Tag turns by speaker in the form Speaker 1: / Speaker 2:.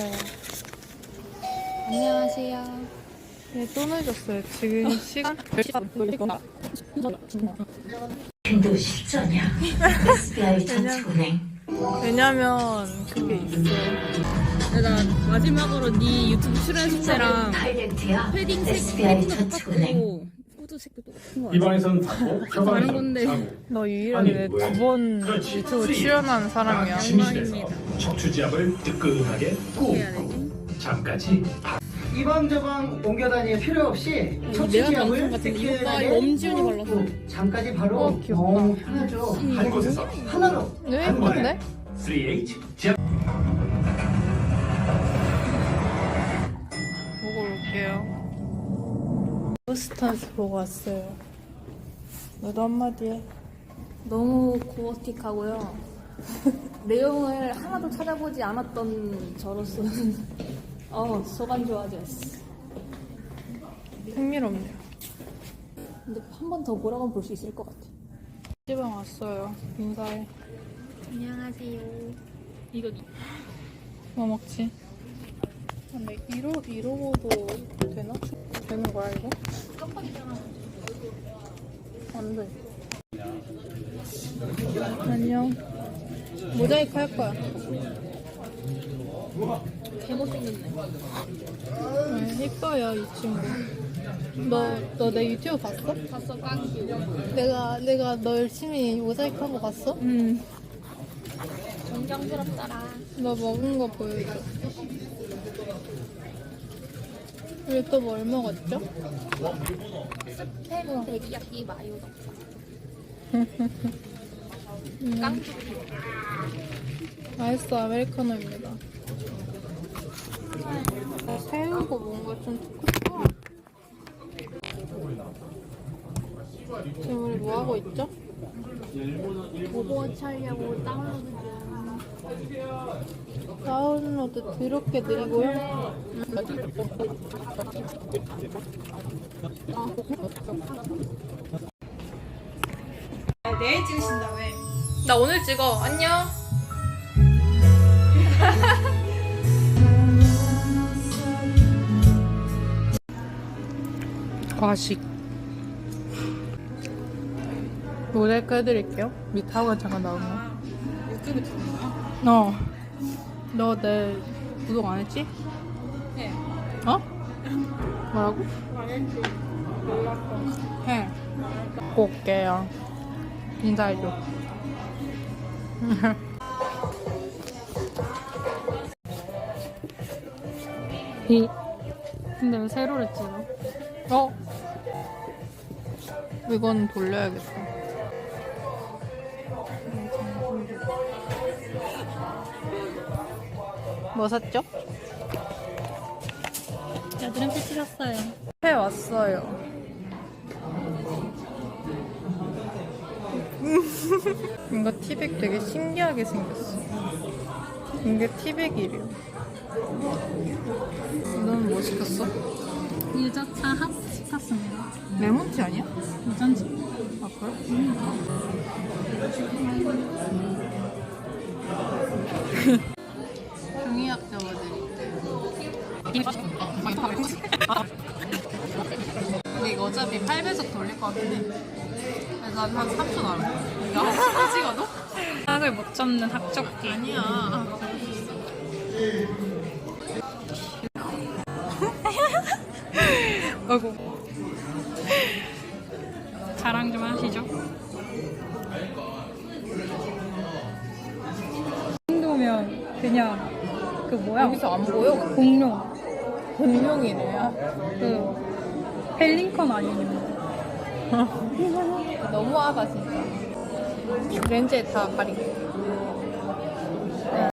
Speaker 1: 왔어요.
Speaker 2: 안녕하세요.
Speaker 1: 네, 또 늦었어요. 지금 시간 10시
Speaker 3: 도 실전이야. SBI 저축은행.
Speaker 1: 왜냐면 그게 있어요.
Speaker 2: 나 마지막으로 네 유튜브 출연했을 때랑
Speaker 3: 하이라이트야.
Speaker 2: 패딩 색
Speaker 3: SBI
Speaker 2: 패딩도
Speaker 3: 저축은행.
Speaker 2: 똑같고 후드색도 똑같은 거
Speaker 4: 이
Speaker 2: 같아.
Speaker 4: 방에서는 닫고 저
Speaker 2: 다른
Speaker 4: 방에서는
Speaker 2: 건데.
Speaker 4: 자고.
Speaker 1: 너 유일하게 두 번 유튜브 출연한 사람이야.
Speaker 4: 침실에서 척추지압을 뜨끈하게 꾹
Speaker 2: 해야 되지?
Speaker 4: 잠까지
Speaker 5: 이 방 저 방 옮겨 다닐 필요 없이
Speaker 2: 내가
Speaker 5: 척추지압을
Speaker 2: 방송 같은 거 이거 봐,
Speaker 5: 뜨끈하게
Speaker 2: 이거 엄지훈이 발랐어.
Speaker 5: 꾹. 잠까지 바로
Speaker 1: 귀엽다.
Speaker 5: 너무 편하죠.
Speaker 4: 한 곳에서
Speaker 5: 하나로
Speaker 1: 왜
Speaker 4: 한 번에
Speaker 1: 예쁜데?
Speaker 4: 3H 지압
Speaker 1: 보고 올게요. 버스타즈 보고 왔어요. 너도 한마디 해.
Speaker 2: 너무 고어틱하고요. 내용을 하나도 찾아보지 않았던 저로서는 소감 좋아졌어.
Speaker 1: 흥미롭네요.
Speaker 2: 근데 한 번 더 보라고 볼 수 있을 것 같아.
Speaker 1: 시방 왔어요. 인사해.
Speaker 2: 안녕하세요. 이거
Speaker 1: 뭐 먹지? 근데 이러고도 되나? 되는 거야 이거?
Speaker 2: 깜빡이잖아.
Speaker 1: 안 돼. 안녕. 모자이크 할 거야.
Speaker 2: 개못생겼네.
Speaker 1: 네, 이뻐요 이 친구. 너 내 유튜브 봤어?
Speaker 2: 봤어, 깡큐.
Speaker 1: 내가 너 열심히 모자이크 하고 봤어?
Speaker 2: 존경스럽더라.
Speaker 1: 너 먹은 거 보여줘. 우리 또 뭘 먹었죠?
Speaker 2: 스팸 데리야끼 마요 깡큐.
Speaker 1: 아이스 아메리카노입니다. 새우고 뭔가 좀 두껍다. 지금 우리 뭐 하고 있죠?
Speaker 2: 오버워치 하려고 다운로드 중.
Speaker 1: 다운로드 더럽게 느리고요.
Speaker 6: 내일 찍으신다며.
Speaker 1: 나 오늘 찍어. 안녕. 과식. 모자이크 해드릴게요. 밑하고 잠깐 나오면.
Speaker 6: 유튜브 찍는 거야?
Speaker 1: 너 내 구독 안 했지?
Speaker 6: 네.
Speaker 1: 어? 뭐라고?
Speaker 6: 안 했지. 몰랐어.
Speaker 1: 해. 꼭 올게요. 인사해줘.
Speaker 2: 근데 왜 세로를 찍어?
Speaker 1: 어? 이건 돌려야겠다. 뭐 샀죠?
Speaker 2: 여드름 패치 샀어요.
Speaker 1: 해 왔어요. 이거 티백 되게 신기하게 생겼어. 이게 티백이래요. 너는 뭐 시켰어?
Speaker 2: 유자차 핫 시켰습니다.
Speaker 1: 레몬티 아니야?
Speaker 2: 유전지.
Speaker 1: 아 그래? 중의학 잡아드릴게요. 근데 이거 어차피 8배속 돌릴 것 같긴 해. 그래서 한 3초 나와. 이거 한 찍어도?
Speaker 2: 학을 못 잡는 학적기.
Speaker 1: 아니야. 아이고.
Speaker 2: 자랑 좀 하시죠.
Speaker 6: 정도면 그냥 그 뭐야?
Speaker 1: 여기서 안 보여?
Speaker 6: 공룡.
Speaker 1: 공룡이래요.
Speaker 6: 그 펠링컨 아니면
Speaker 1: 너무하다 진짜. 렌즈에 다 가리고.